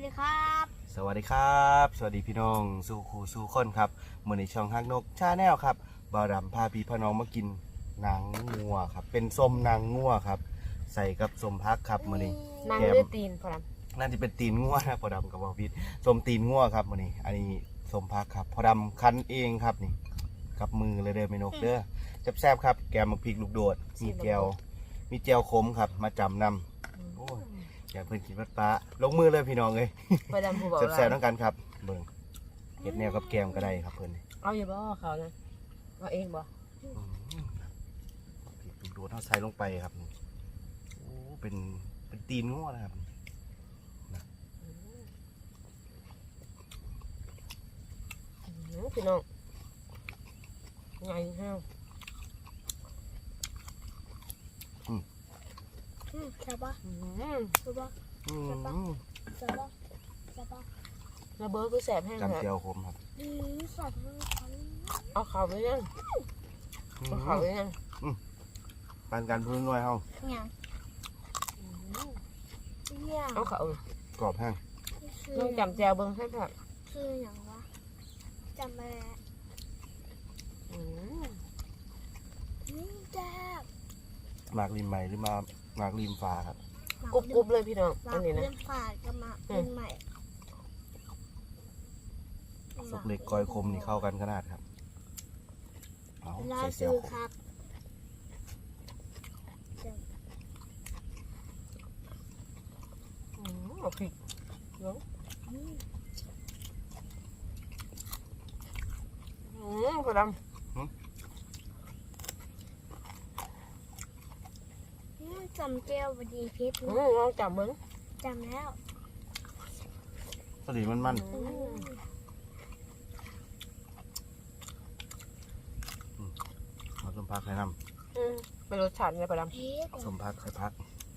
ดีครับสวัสดีครับ สวัสดีพี่น้องสู่คู่สู่คนครับมื้อนี้ช่องฮักนกชาแนลครับบ่าวดำพาพี่พ่อน้องมากินหนังงัวครับเป็นส้มหนังงัวครับใส่กับส้มพักครับมื้อนี้นางแกมเลือดตีนพอดน่าจะเป็นตีนงัวนะพ่อดำกับบ่าวพิษส้มตีนงัวครับมื้อนี้อันนี้ส้มพักครับพ่อดำคั้นเองครับนี่กับมือเลยเด้อแม่นกเด้อแซ่บๆครับแกมมักพริกลูกโดดมีแจวขมครับมาจำนำโอ้ยอยากเพิ่นกินวัดปลาลงมือเลยพี่น้องเอ้ยพอดำผู้บอกแซ่บๆว่าทั้งกันครับเบิ่งเห็ดแนวกับแกมก็ได้ครับเพิ่นนี่เอาอยู่บ่เขานะเอาเองบ่พริกดูดเอาใส่ลงไปครับโอ้เป็นตีนงัวนะครับพี่น้องไงห้าวใช่ปะใช่ปะอืมใช่ปะใช่ปะระเบิดคือแสบแห้งจำฮะเจียวขมครับสัตว์ทั้งชั้นเอาเขาไปยังเอาเขาไปยังปานการพื้นน้อยเฮาเนี่ยเนี่ยเอาเขากรอบแห้งต้องจำแจวเบิ้งให้ผักคืออย่างวะจำไปแล้วนี่แจ๊บหมากริมใหม่หรือมาหมากริมฟ้าครับกรุบๆเลยพี่น้องมาอันนี้นะเล่นฝาดกันมาเป็นใหม่สุกเล็กกอยคมนี่เข้ากันขนาดครับเอาล่าใส่เจีซื้ยวอขคมรับเอาพริกเนาะพอดจำเจียวพอดีพิษำลองจับเบิ้งจำแล้วพอดีมันเอาส้มพักให้นเป็นรสชาติไงพอดำพิษำส้มพักใส่พัก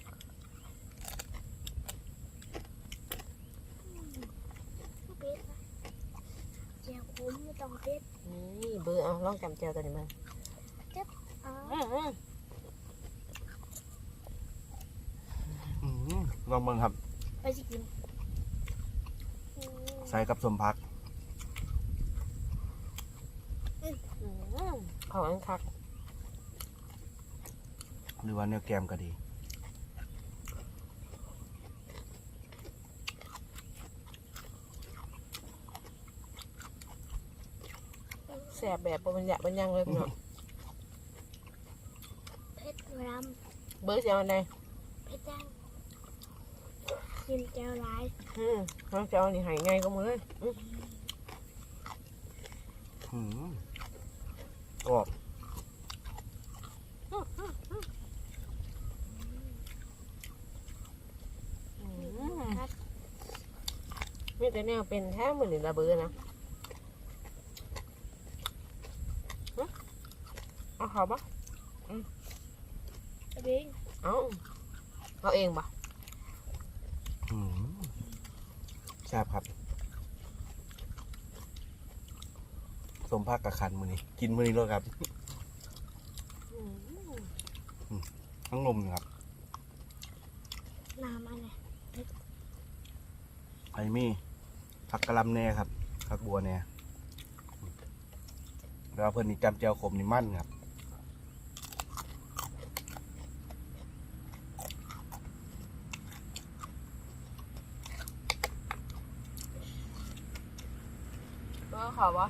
พิษเจียวคุ้มไม่ต้องพิษนี่เบอร์เอาลองจำแจวตัวนี้มาอ๋อลองเบิ่งครับไปสิกินใส่กับส้มพักเขาอันคักหรือว่าเนื้อแกมก็ดีแสบแบบบรรยะบรรยังเลยพี่น้องเพชรรเบอร์เสียงอันใดำเพชรจังกินแก้วร้ายน้องเจ้านี่หายไงก็มือเลยกรอบครับมีแต่แนวเป็นแท้เหมือนระเบอร์นะเอาเขาปะเบ้งเอาเองปะแซ่บครับส้มพักกับคันมือนี้กินมือนี้เลยครับทั้งนมครับน้ำอะไรไอมี่ผักกะหล่ำแน่ครับผักบัวแน่แล้วเพิ่นนี่จำเจียวขมนี่มั่นครับเอาเขาปะ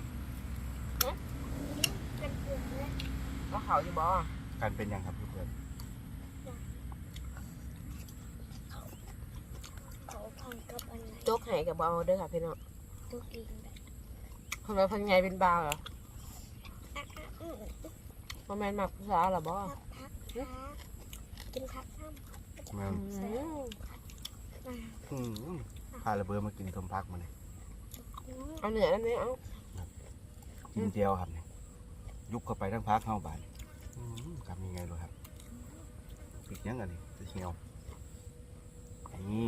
เป็นเปลือกเลยเอาเขาอยู่บ่การเป็นอย่างครับเพื่อนเขาพันกับอะไรโจ๊กไห้กับบ่เอาเด้อค่ะพี่น้องตัวกินแบบคนมาพันไงเป็นบาวเหรอมันแมนหมักภาษาเหรอบ่พักกินผักน้แม่นำพาระเบิดมากินส้มพักมาเลยเอาเหนือนั่นนี่เอากินเจียวครับนี่ยุบเข้าไปทั้งพักเข้าบานทำยังไงเลยครับปิดยังไงนี่จะเชียวนี่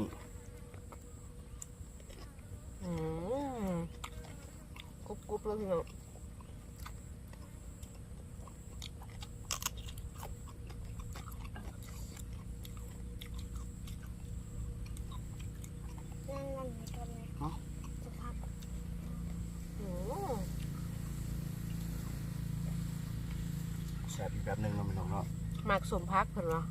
กรุบๆเลยพี่น้องนั่นจะพักอืมแซ่บอีกแบบหนึงเนาะพี่น้องเนาะหมักสมพักเพิ่นว่า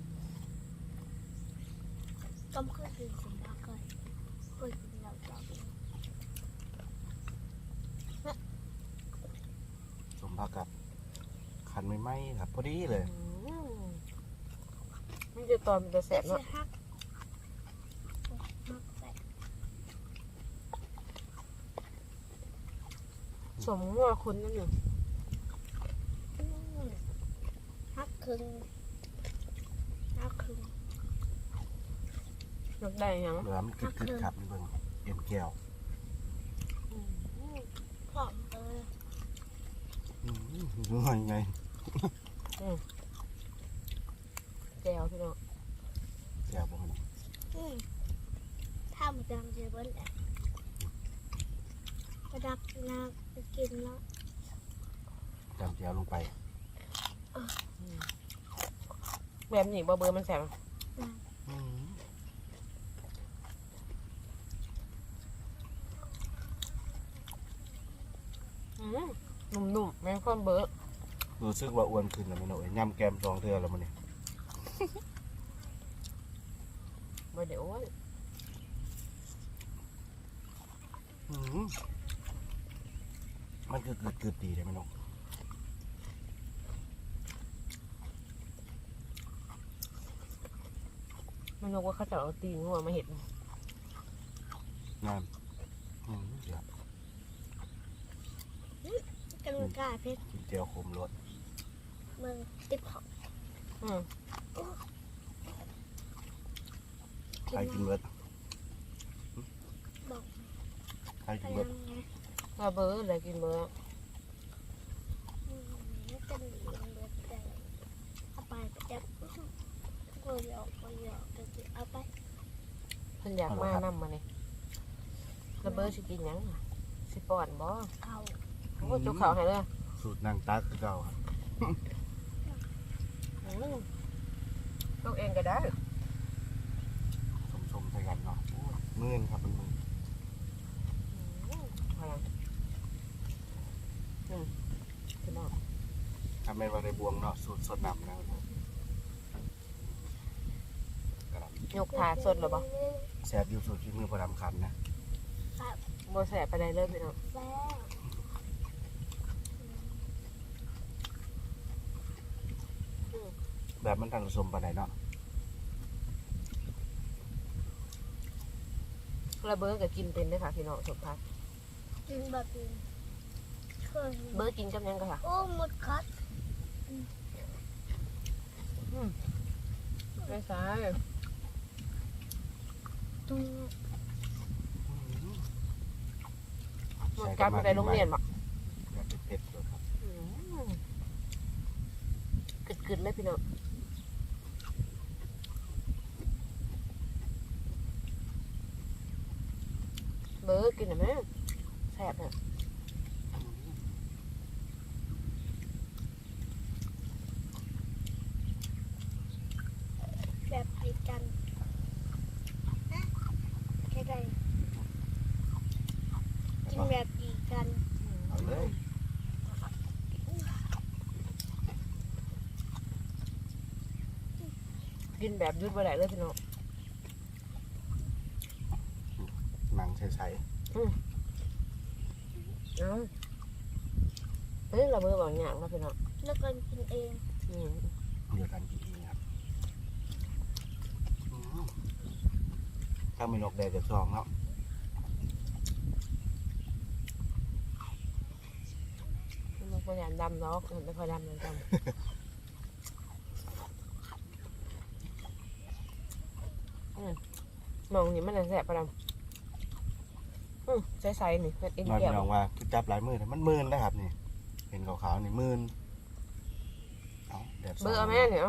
ต้มเครื่องดื่มสมพักเลยเคยกินแล้วจ้ะสมพักกับคันไม่ไหมครับพอดีเลยอืมมันจะตอนมันจะแสบเสีเนาะยฮักฮักใส่สมงัวคุณนั่นอยู่ฮักครึ่งฮักครึ่งยกได้ยังเหลือมันกึดๆครับนี่เบิ่งเอ็นแก้วอืมพร้อมเลยดูหน่อยไงแก้วพี่น้องแก้วบ่นี่ถ้ามันจำเจเบิ้ลแหละประดับนาไปกินแล้วจำแก้วลงไปแบบนี้บ่เบอร์มันแสบอืมนุ่มๆแม่งความเบอร์รู้สึกว่าอ้วนขึ้นแล้วพี่น้องเอ้ยย่ำแกม2เทื่อแล้วมื้อนี้บ่เดี๋ยวอ้วนมันคือกึดๆดีเลยพี่น้องมันนึกว่าเขาจะเอาตีนงัวมาเห็ดงามเดี๋ยวกันกล้าเพชรกินแก้วขมรสเมืองติดของอืมใครกินเบิดบอกใครไปกินเบิดยังไงถ้าเบอร์อะไรกินเบอร์จะหนีเบิดแต่เอาไปจับก็หยอกก็จะเอาไปเพิ่นอยากมานำมาเนี่ยแล้วเบอร์สิกินหยังน่ะสิป้อนบ่เขาโอ้จุกเขาให้เลยสูตรนางตักคือเก่าครับลูกเองก็ได้สมๆใส่กันเนาะโอ้ยมื่นครับมันมื่นพลังพี่น้องทำเป็นว่าในบวงเนาะสูตรสดน้ำนะกระดยกถาสดหรือบ่ำแซ่บอยู่สูตรที่มือประดำคันนะบ่แสบไปได้เลยพี่น้องแซ่แบบมันทันผสมปานใดเนาะแล้วเบอร์ก็กินเป็นเด้อค่ะพี่น้องสมพักกินแบบนี้เคยเบอร์กินกับหยังก็ค่ะโอ้หมดคัดไม่ใช่ตุ้งหมดการไปได้โรงเรียนบ่แบบเผ็ดๆเลยครับกึดๆเลยพี่น้องเบอร์กินได้ไหมแซ่บเนี่ยแบบดีกันแค่ใดกินแบบดีกันเอาเลยกินแบบยุดบ่ได้เลยพี่น้องหนังใสเอ้าเฮ้ยเราเบอร์บอกอย่างนะพี่น้องแล้วกันกินเองๆเดียวกันกินเองครับถ้ามีนกแดดจะซองเนาะมันพยายามดำเนาะมันไม่ค่อยดำมันดำมองนี่มันจะแสบประดำใสๆนี่เป็นเอ็นน้อยแก้พี่วน้องว่าคือจับหลายมือแต่มันมื่นนะครับนี่เห็นขาวๆนี่มื่นเอาแดดซองเบอร์เอาแม่เนี่ยเอา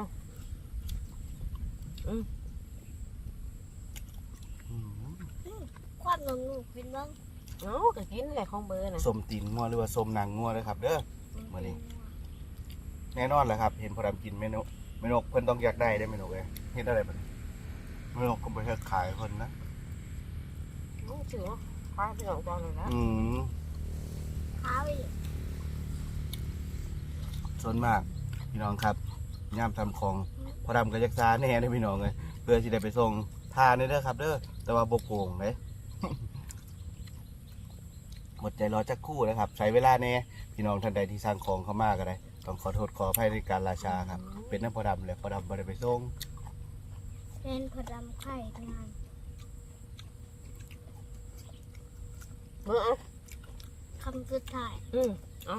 ความงงงูกินบ้างเอาก็กินแหละของเบอร์นะส้มตีนงัวหรือว่าส้มนางงัวเลยครับเด้อ มาดิ แน่นอนแหละครับ เห็นพอดำกินเมนูเมนูเพิ่นต้องอยากได้ได้เมนูเลยเฮ็ดอะไรบ้างเมนูก็ไปเฮ็ดขายคนนะถือว่าพาพี่น้องตอนเลยนะข้าวอีกส่วนมากพี่น้องครับย่ามทำของพอดำกับยักษ์ซาแน่ได้อพี่น้องเลยเพื่อที่ได้ไปส่งทานเด้อครับเด้อแต่ว่าบกโป่งเลย หมดใจรอจักครู่นะครับใช้เวลาแน่พี่น้องท่านใดที่สั่งของเข้ามาก็ได้ต้องขอโทษขออภัยในการราชาครับเป็นน้ำพอดำเลยพอดำบ่ได้ไปส่งเป็นผดำไข่งานเมื่อเอาคำสุดท้ายเอา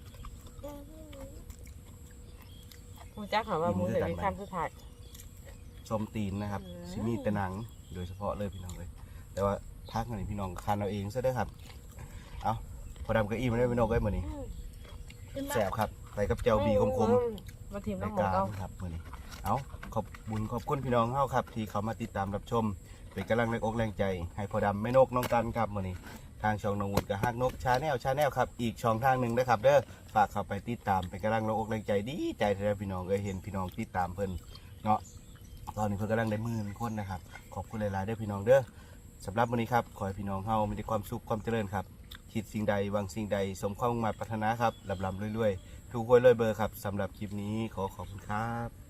มูจักถามว่ามูเห็นมีคำสุดท้ายส้มตีนนะครับซิมีแต่หนังโดยเฉพาะเลยพี่น้องเลยแต่ว่าพักหน่อยพี่น้องคันเอาเองซะเด้อครับเอาพอดำกับอีมันได้พี่น้องได้เหมือนนี้แสบครับใส่กับเจียวบีคมๆมาทีมรายน้ำหมูการเอาครับมื้อนี้เอาขอบบุญขอบคุณพี่น้องเฮาครับ ที่เขามาติดตามรับชม เป็นกำลังแรงอกแรงใจ ให้พอดำแม่นกน้องกันครับมื้อนี้ทางช่องน้องวุฒิกับฮักนกชาแนลครับอีกช่องทางหนึ่งนะครับเด้อฝากเข้าไปติดตามเป็นกำลังแรงอกแรงใจดีใจแท้พี่น้องเห็นพี่น้องติดตามเพิ่นเนาะตอนนี้เพิ่นกำลังได้10,000 คนนะครับขอบคุณหลายๆเด้อพี่น้องเด้อสำหรับมื้อนี้ครับขอให้พี่น้องเฮามีแต่ความสุขความเจริญครับคิดสิ่งใดหวังสิ่งใดสมความมุ่งมั่นปรารถนาครับลำๆรวยๆ ถูกหวยรวยเบอร์ครับสำหรับคลิปนี้ขอขอบคุณครับ